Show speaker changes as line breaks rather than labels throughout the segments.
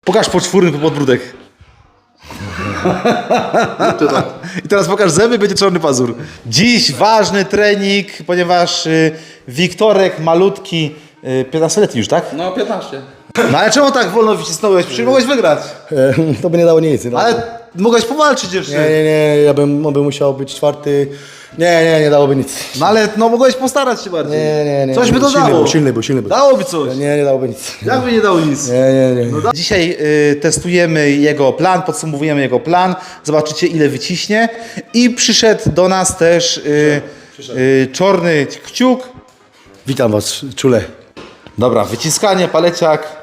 Pokaż poczwórny podbródek. I teraz pokaż zęby, będzie czarny pazur. Dziś ważny trening, ponieważ Wiktorek malutki, 15-letni już, tak?
No 15.
No ale czemu tak wolno wycisnąłeś? Przecież mogłeś wygrać.
To by nie dało nic. Nie dało.
Ale mogłeś powalczyć jeszcze.
Nie, ja bym musiał być czwarty. Nie dałoby nic.
No ale mogłeś postarać się bardziej.
Nie.
Coś by to dało.
Silny był.
Dałoby coś.
Nie dałoby nic.
Jakby nie dało nic.
Nie.
No dzisiaj testujemy jego plan, podsumowujemy jego plan, zobaczycie ile wyciśnie i przyszedł do nas też czarny kciuk.
Witam was, czule.
Dobra, wyciskanie, paleciak.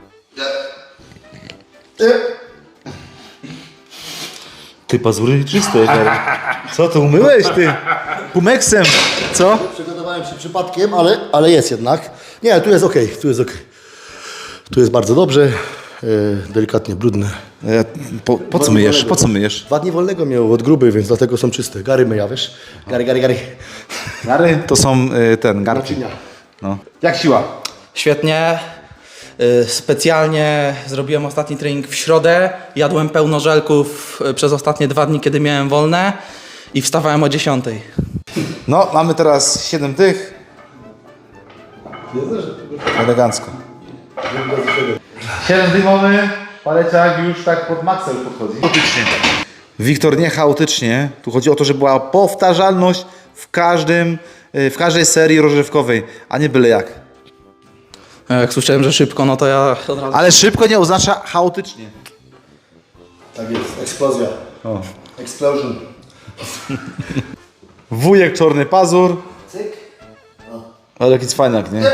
Ty pazury czyste. Co to umyłeś ty? Pumeksem, co?
Przygotowałem się przypadkiem, ale jest jednak. Nie, tu jest okej. Tu jest bardzo dobrze. Delikatnie brudne.
Po co myjesz? Po co myjesz?
2 dni wolnego miał od gruby, więc dlatego są czyste. Gary myja, wiesz? Gary.
Gary? To są garki. No. Jak siła?
Świetnie. Specjalnie zrobiłem ostatni trening w środę. Jadłem pełno żelków przez ostatnie 2 dni, kiedy miałem wolne. I wstawałem o 10.
No, mamy teraz 7 tych. Elegancko. 7 dymowy, paleciak już tak pod maksem podchodzi. Chaotycznie. Wiktor, nie chaotycznie. Tu chodzi o to, żeby była powtarzalność w każdej serii rozgrzewkowej, a nie byle jak.
Jak słyszałem, że szybko, no to ja od razu...
Ale szybko nie oznacza chaotycznie.
Tak jest, eksplozja.
O.
Explosion.
Wujek czarny pazur.
Cyk.
Ale jakiś fajnak, nie?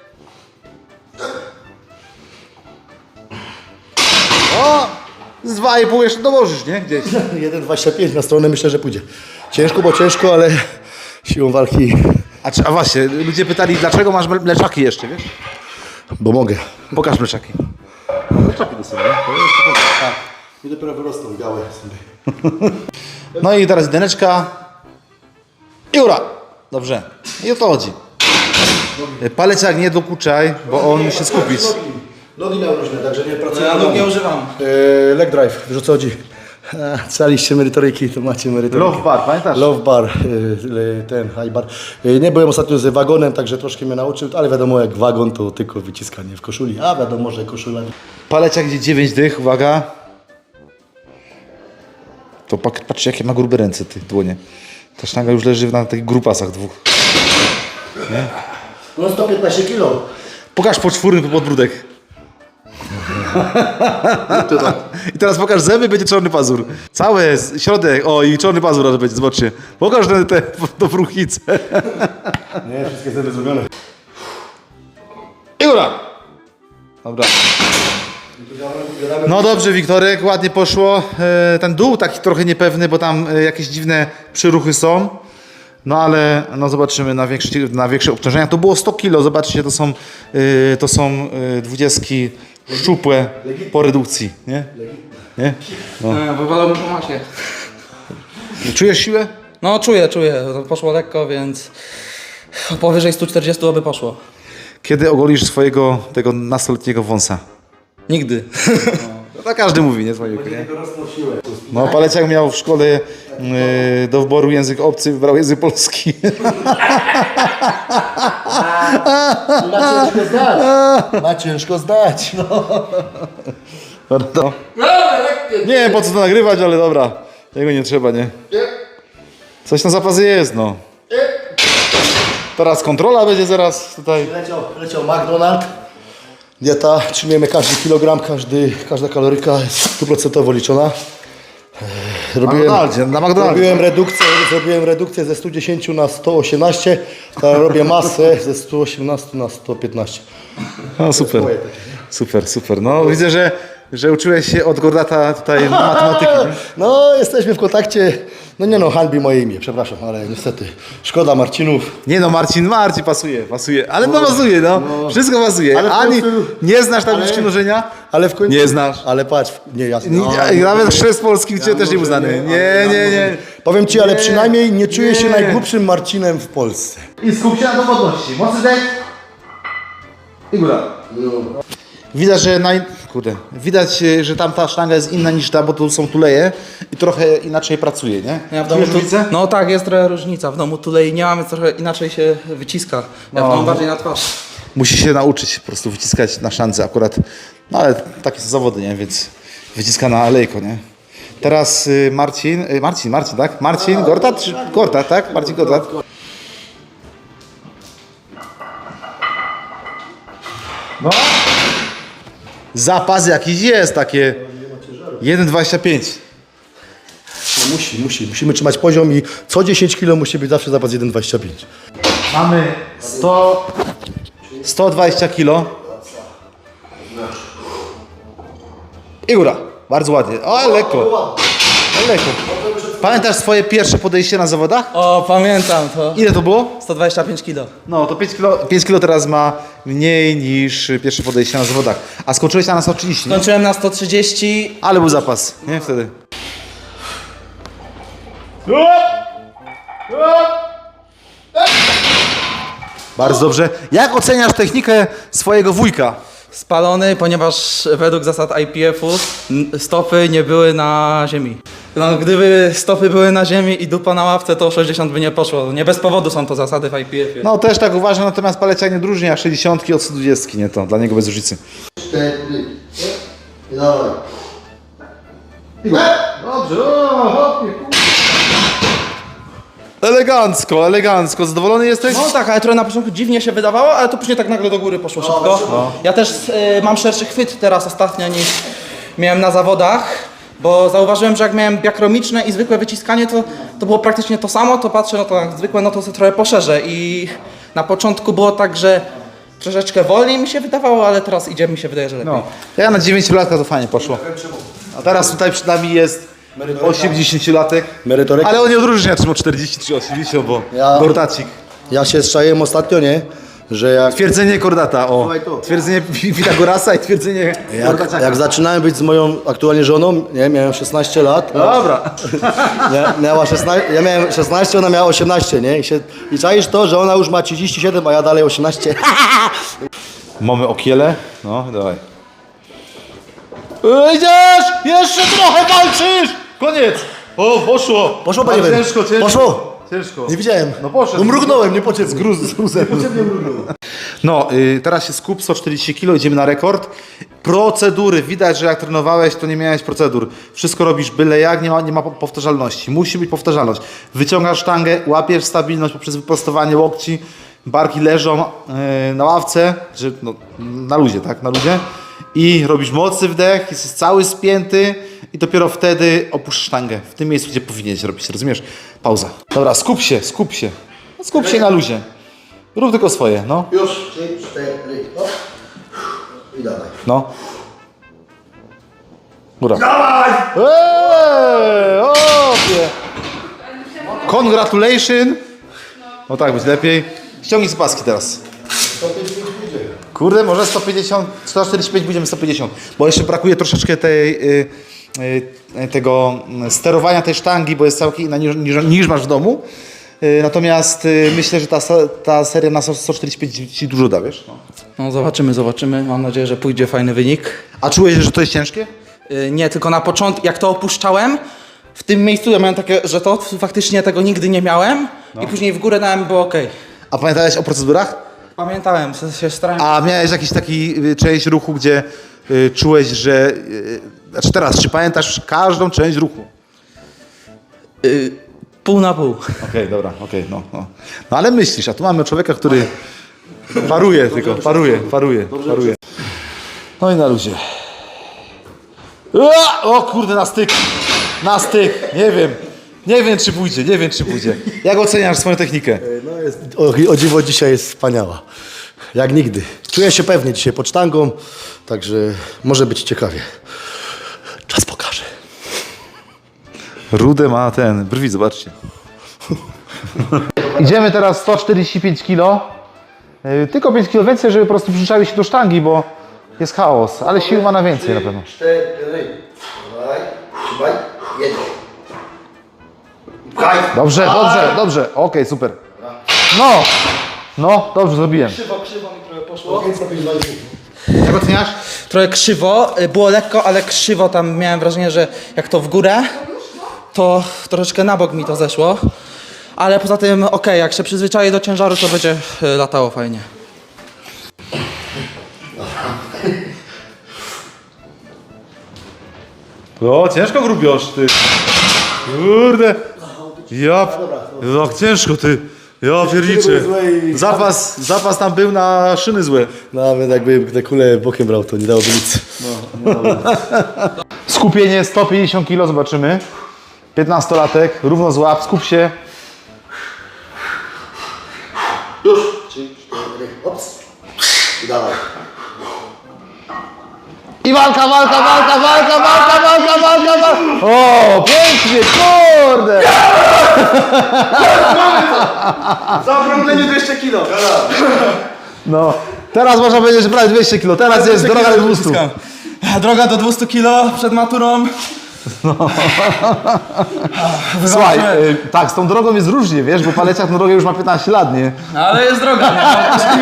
O! Z 2,5 jeszcze dołożysz, nie? Gdzieś.
1,25 na stronę myślę, że pójdzie. Ciężko, ale siłą walki,
A właśnie, ludzie pytali, dlaczego masz mleczaki jeszcze, wiesz?
bo mogę.
Pokaż mleczaki. Mleczaki to są, nie?
Tak. I dopiero wyrosną białe sobie.
No i teraz jedyneczka. I ura! Dobrze. I o to chodzi. Paleciak nie dokuczaj, bo on musi skupić.
Nogi miał różne, także nie pracuję.
Ja nóg nie używam.
Leg drive, wiesz o co chodzi? Caliście merytoryki, to macie merytoryki.
Love bar, pamiętasz?
Love bar, ten high bar. Nie byłem ostatnio z wagonem, także troszkę mnie nauczył, ale wiadomo jak wagon to tylko wyciskanie w koszuli, a wiadomo, że koszula...
Paleciak idzie 9 dych, uwaga. To patrzcie jakie ma grube ręce, ty dłonie. Ta sztanga już leży na takich grupasach dwóch.
No 115 kilo.
Pokaż poczwórny podbródek. I teraz pokaż zęby, będzie czarny pazur. Cały środek, o i czarny pazur może będzie, zobaczcie. Pokaż te dobruchice.
Nie, wszystkie zęby zrobione.
I góra. Dobra. No dobrze, Wiktorek, ładnie poszło. Ten dół taki trochę niepewny, bo tam jakieś dziwne przyruchy są. No ale no zobaczymy na większe obciążenia. To było 100 kg, zobaczcie, to są 20 szczupłe po redukcji, nie? Nie?
Wywalamy po masie.
Czujesz siłę?
No czuję. To poszło lekko, więc powyżej 140 by poszło.
Kiedy ogolisz tego nastoletniego wąsa?
Nigdy.
No to każdy mówi, nie? Nie? No Paleciak miał w szkole do wyboru język obcy, wybrał język polski.
Ma ciężko zdać. No.
No. Nie wiem po co to nagrywać, ale dobra. Jego nie trzeba, nie? Coś na zapasie jest, no. Teraz kontrola będzie zaraz tutaj.
Leciał McDonald's. Dieta, przyjmujemy każdy kilogram, każda kaloryka jest 100% liczona.
Na McDonaldzie.
Zrobiłem redukcję ze 110 na 118, teraz robię masę ze 118 na 115.
No super. Super. No widzę, że uczyłeś się od Gordata tutaj matematyki. Nie?
No, jesteśmy w kontakcie. No, hańbi moje imię, przepraszam, ale niestety. Szkoda Marcinów.
Nie no, Marcin pasuje. Ale no pasuje, no. Wszystko pasuje.
Ale w
Ani
końcu-
nie znasz tabliczki mnożenia?
Ale w końcu...
Nie znasz.
Ale patrz, nie, jasne.
Nawet chrzest polski gdzie też nie uznany. Nie.
Powiem ci, ale przynajmniej nie czuję się najgłupszym Marcinem w Polsce.
I skup się na dowodności. Mocny dech. I góra. Widać, że widać, że tam ta sztanga jest inna niż ta, bo tu są tuleje i trochę inaczej pracuje, nie?
Ja w domu
Czujesz różnicę?
No tak, jest trochę różnica. W domu tulei nie mamy, trochę inaczej się wyciska. Ja w domu bardziej na twarz.
Musi się nauczyć po prostu wyciskać na sztandze akurat, no ale takie są zawody, nie? Więc wyciska na alejko, nie? Teraz Marcin, tak? Marcin Gortat? Gortat, tak? Marcin Gortat. No. Zapas jakiś jest, takie 1,25.
No musimy trzymać poziom i co 10 kg musi być zawsze zapas 1,25.
Mamy 120 kg. I góra. Bardzo ładnie. O, lekko. Lekko. Pamiętasz swoje pierwsze podejście na zawodach?
O, pamiętam to.
Ile to było?
125 kg.
No, to 5 kg teraz ma mniej niż pierwsze podejście na zawodach. A skończyłeś na 130, nie?
Skończyłem na 130.
Ale był zapas, nie? Wtedy. Bardzo dobrze. Jak oceniasz technikę swojego wujka?
Spalony, ponieważ według zasad IPF-u stopy nie były na ziemi. No, gdyby stopy były na ziemi i dupa na ławce, to 60 by nie poszło. Nie bez powodu są to zasady w IPF-ie.
No też tak uważam, natomiast paleciak nie różni jak 60 od 120, nie to, dla niego bez różnicy.
4 i dawaj.
Dobrze, elegancko, zadowolony jesteś?
No tak, ale trochę na początku dziwnie się wydawało, ale to później tak nagle do góry poszło szybko.
No.
Ja też mam szerszy chwyt teraz ostatnio niż miałem na zawodach, bo zauważyłem, że jak miałem biakromiczne i zwykłe wyciskanie, to było praktycznie to samo, to patrzę, no to jak zwykłe, no to sobie trochę poszerzę i na początku było tak, że troszeczkę wolniej mi się wydawało, ale teraz idzie, mi się wydaje, że lepiej.
No. Ja na 9-latka to fajnie poszło. A teraz tutaj przed nami jest 80-latek.
Merytoryka.
Ale on nie odróżnia, czy ma 40 czy 80, bo
Ja-
Gortacik.
Ja się strzaiłem ostatnio, nie? Że jak
Twierdzenie Kordata, o.
Słuchaj tu.
Twierdzenie Pitagorasa i twierdzenie Gortaciaka.
jak zaczynałem być z moją aktualnie żoną, nie? Miałem 16 lat.
Dobra.
Miała 16, ja miałem 16, ona miała 18, nie? I czaisz to, że ona już ma 37, a ja dalej 18.
Mamy okiele. No, dawaj. Idziesz! Jeszcze trochę walczysz! Koniec! O, poszło!
Poszło, panie
Ale
Wenu.
ciężko.
Poszło.
Ciężko.
Nie widziałem.
No poszedł.
No mrugnąłem, niepotrzebnie.
Z gruzem. No, teraz się skup, 140 kg, idziemy na rekord. Procedury, widać, że jak trenowałeś, to nie miałeś procedur. Wszystko robisz byle jak, nie ma powtarzalności. Musi być powtarzalność. Wyciągasz sztangę, łapiesz stabilność poprzez wyprostowanie łokci, barki leżą na ławce, że, no, na luzie, tak, na luzie. I robisz mocny wdech, jesteś cały spięty i dopiero wtedy opuszczasz sztangę. W tym miejscu, gdzie powinieneś robić, rozumiesz? Pauza. Dobra, skup się. No, skup się na luzie. Rób tylko swoje, no.
Już, 3, 4, no. I dawaj.
No. Góra. Dawaj! Opie! Congratulations! No tak, być lepiej. Ściągnij z paski teraz. Kurde, może 150, 145 będziemy 150. Bo jeszcze brakuje troszeczkę tego sterowania tej sztangi, bo jest całkiem inna niż masz w domu. Natomiast myślę, że ta seria na 145 ci dużo da, wiesz? No.
No zobaczymy. Mam nadzieję, że pójdzie fajny wynik.
A czułeś, że to jest ciężkie?
Nie, tylko na początku, jak to opuszczałem, w tym miejscu ja miałem takie, że to faktycznie tego nigdy nie miałem i później w górę dałem, było ok.
A pamiętałeś o procedurach?
Pamiętałem, się starałem.
A miałeś jakiś taki część ruchu, gdzie czułeś, że... Znaczy teraz, czy pamiętasz każdą część ruchu?
Pół na pół.
Okej, dobra, no. No ale myślisz, a tu mamy człowieka, który paruje tylko, paruje. No i na luzie. O kurde, na styk, nie wiem czy pójdzie. Jak oceniasz swoją technikę?
No jest, o dziwo dzisiaj jest wspaniała. Jak nigdy. Czuję się pewnie dzisiaj pod sztangą, także może być ciekawie. Czas pokaże.
Rudę ma brwi, zobaczcie. Idziemy teraz 145 kg. Tylko 5 kg więcej, żeby po prostu przyczaiły się do sztangi, bo jest chaos, ale sił ma na więcej na pewno.
4, trzymaj, jedź.
Dobrze. Okej, super. No, dobrze zrobiłem.
Krzywo mi trochę poszło.
Jak oceniasz?
Trochę krzywo, było lekko, ale krzywo tam miałem wrażenie, że jak to w górę, to troszeczkę na bok mi to zeszło. Ale poza tym okej, jak się przyzwyczaję do ciężaru, to będzie latało fajnie.
O, ciężko grubiosz, ty. Kurde. Jak ciężko, ty. Ja pierniczę. Zapas tam był na szyny złe.
Nawet jakby te kule bokiem brał, to nie dałoby nic.
Skupienie 150 kg, zobaczymy. 15-latek, równo złap, skup się.
Już. 3, 4, ops. I dawaj.
I walka! O, pięknie, kurde!
Zaokrąglenie 200 kg.
No, teraz można powiedzieć, że prawie 200 kg, teraz jest droga do 200.
Droga do 200 kg przed maturą.
Słuchaj, tak, z tą drogą jest różnie, wiesz, bo Paleciak na drogę już ma 15 lat, nie?
No, ale jest droga, nie?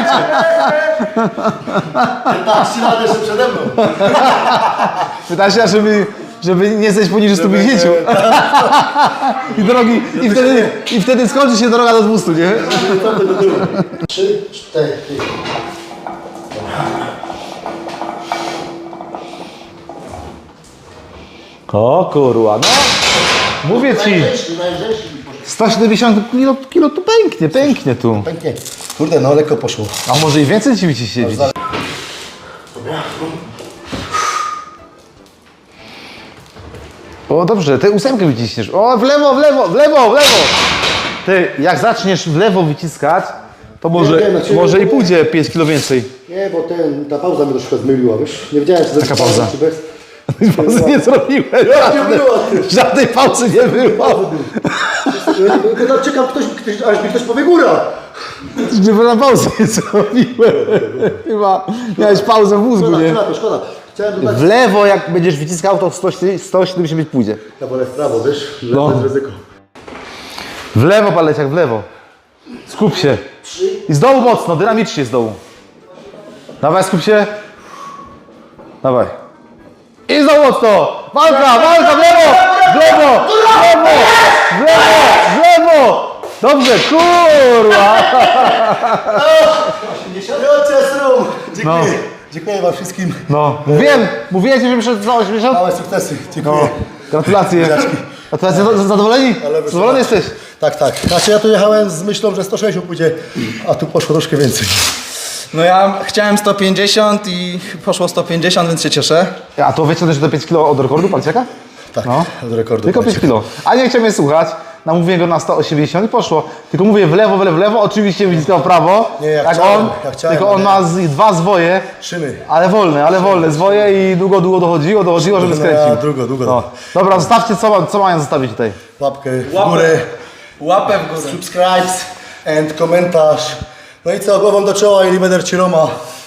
Tak, ścina jeszcze przede mną.
15 lat, żeby nie zejść poniżej 150. I wtedy skończy się droga do 200, nie?
3, 4.
O kurwa, no. Mówię ci, 170 kilo tu pęknie tu.
Pięknie. Kurde, no lekko poszło.
A może i więcej ci siedzi? O dobrze, ty 8 wyciśniesz. O, w lewo! Ty, jak zaczniesz w lewo wyciskać, to może i pójdzie 5 kilo więcej.
Nie, bo ta pauza mnie troszkę zmyliła, wiesz? Nie wiedziałem, czy zrobić
Taka pauza?
czy bez.
Pauzy nie zrobiłem.
Nie było.
Żadnej pauzy nie było.
Tylko czekam, aż mi ktoś powie góra.
Żeby na pauzę nie zrobiłem. Chyba miałeś pauzę w mózgu, nie?
Szkoda. Chciałem dodać.
W lewo jak będziesz wyciskał, to w 170 pójdzie.
Ja wolę w prawo, wiesz?
No.
To jest ryzyko.
W lewo, Paleciak, w lewo. Skup się. I z dołu mocno, dynamicznie z dołu. Dawaj, skup się. Dawaj. I z dołu mocno. Walka, w lewo. Dobrze, kurwa.
Dziękuję. Dziękuję wam wszystkim.
No, mówiłem ci, że przed za 80.
Małe sukcesy. Dziękuję.
No, gratulacje. Gratulacje, zadowoleni? Zadowolony jesteś?
Tak. Znaczy ja tu jechałem z myślą, że 160 pójdzie, a tu poszło troszkę więcej.
No ja chciałem 150 i poszło 150, więc się cieszę.
A to wyciągnąć do 5 kg od rekordu Paleciaka?
Tak,
No.
od rekordu.
Tylko 5 kg. A nie chciał mnie słuchać. Namówiłem go na 180 i poszło. Tylko mówię w lewo. Oczywiście wyciskał w prawo.
Nie, ja
jak
chciałem,
on.
ja chciałem,
tylko on
ale-
ma dwa zwoje.
Szyny.
Ale wolne zwoje i długo dochodziło, żeby skręcił.
Długo.
No. Dobra, zostawcie, co mają zostawić tutaj?
Łapkę w górę,
Łapę w górę.
subscribes and komentarz. No i co, głową do czoła i Libeder Ciroma.